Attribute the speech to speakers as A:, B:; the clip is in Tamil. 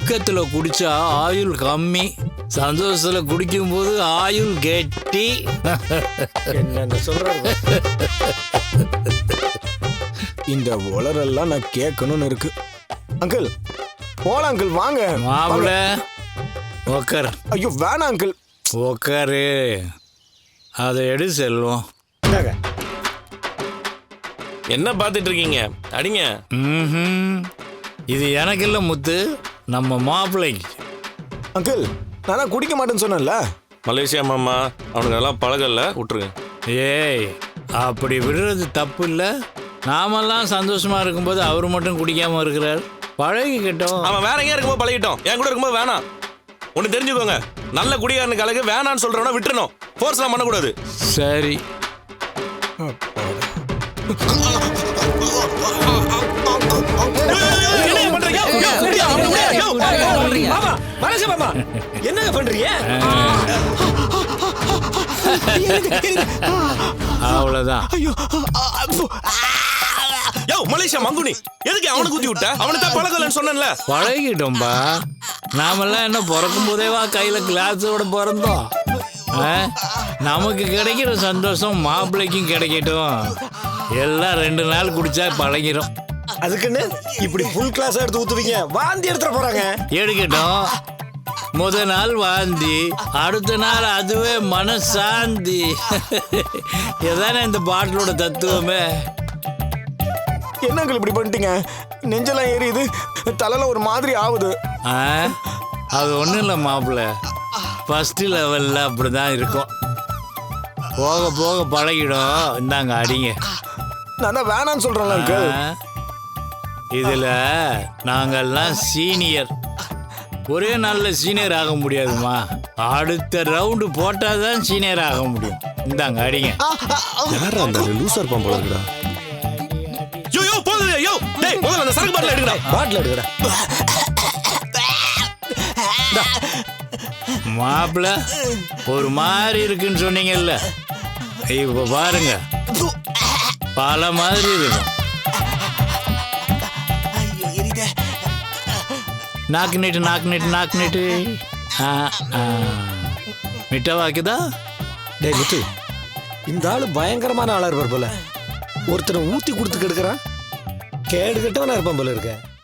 A: துக்கத்துல குடிச்சா ஆயுள் கம்மி, சந்தோஷத்துல குடிக்கும் போது ஆயுள் கெட்டி.
B: என்ன சொல்றாரு? இந்த உளரெல்லாம் நான் கேட்கணும்னு இருக்கு. அங்கிள் போலாம் அங்கிள், வாங்க.
A: மாப்பிள உக்கார்.
B: ஐயோ வேணாம் அங்கிள்.
A: உக்காரு. அதை எடு செல்வம்.
C: என்ன பார்த்துட்டு இருக்கீங்க? அடிங்க.
A: இது எனக்கு இல்லை முத்து, நம்ம மாப்பிள்ளைக்கு.
B: அங்கிள் நான் தான் குடிக்க மாட்டேன்னு சொன்னேன்ல.
C: மலேசியா மாமா அவனுக்கு எல்லாம் பழகல, விட்டுருங்க.
A: ஏய், அப்படி விடுறது தப்பு இல்லை. நாமெல்லாம் சந்தோஷமா இருக்கும்போது அவர் மட்டும் குடிக்காம இருக்கிறார். பழகிக்கிட்டோம்.
C: அவன் வேற எங்கேயா இருக்கும்போது பழகிட்டோம், என் கூட இருக்கும்போது வேணாம். ஒன்று தெரிஞ்சுக்கோங்க, நல்ல குடிகாரனுக்கு அழகு வேணான்னு சொல்றவனா விட்டுறணும், ஃபோர்ஸ்லாம் பண்ணக்கூடாது.
A: சரி.
B: என்ன பண்றீங்க?
A: அவ்வளவுதான்.
C: யோ மலேசியா மங்குனி, எதுக்கு அவனை குத்தி விட்ட? அவனுக்கு தான் பழகலன்னு சொன்னேன்ல.
A: பழகிட்டோம்பா. நாமெல்லாம் என்ன பிறக்கும் போதேவா கையில கிளாஸோட பிறந்தோம்? நமக்கு கிடைக்கிற சந்தோஷம் மாப்பிள்ளைக்கும் கிடைக்கட்டும். எல்லாம் 2 நாள் குடிச்சா பழகிடும்.
B: அதுக்குன்னு இப்படி ஃபுல் கிளாஸ் எடுத்து ஊத்துவீங்க? வாந்தி எடுத்துற போறாங்க.
A: எடுக்கட்டும். முதல் நாள் வாந்தி, அடுத்த நாள் அதுவே மனசாந்தி. இதானே இந்த பாட்டிலோட தத்துவமே.
B: என்னங்கள் இப்படி பண்ணிட்டீங்க? நெஞ்செல்லாம் ஏறியுது, தலையில ஒரு மாதிரி ஆகுது.
A: அது ஒன்றும் இல்லை மாப்பிள்ள, ஃபர்ஸ்ட் லெவலில் அப்படி தான் இருக்கும். போக போக பழகிடும். இந்தாங்க அடிங்க.
B: நான் தான் வேணான்னு சொல்றேன்ல அங்கிள்.
A: இதில் நாங்கள்லாம் சீனியர். ஒரே நாளில் சீனியர் ஆக முடியாதுமா. அடுத்த ரவுண்டு போட்டால் தான் சீனியர் ஆக முடியும். இந்தாங்க அடிங்க.
C: யாரா அந்த லூசர் இருப்பான் போல இருக்குடா. யோ யோ போகுது. யோ டேய், முதல்ல அந்த சரக்கு பாட்டில் எடுங்கடா.
B: பாட்டில் எடுங்கடா.
A: மாப்பிள்ள ஒரு மாதிரி இருக்குன்னு சொன்னீங்கல்ல, இப்போ பாருங்க பல மாதிரி இருக்கும். நாக்கு நீட்டு நாக்கு நீட்டு நாக்கு நீட்டு. மிட்ட வாக்குதா?
B: டேய் முத்து, இந்த ஆளு பயங்கரமான ஆளா இருப்பார் போல. ஒருத்தனை ஊத்தி கொடுத்து கெடுக்கிறான். கேடு கட்டவனா இருப்பான் போல இருக்க.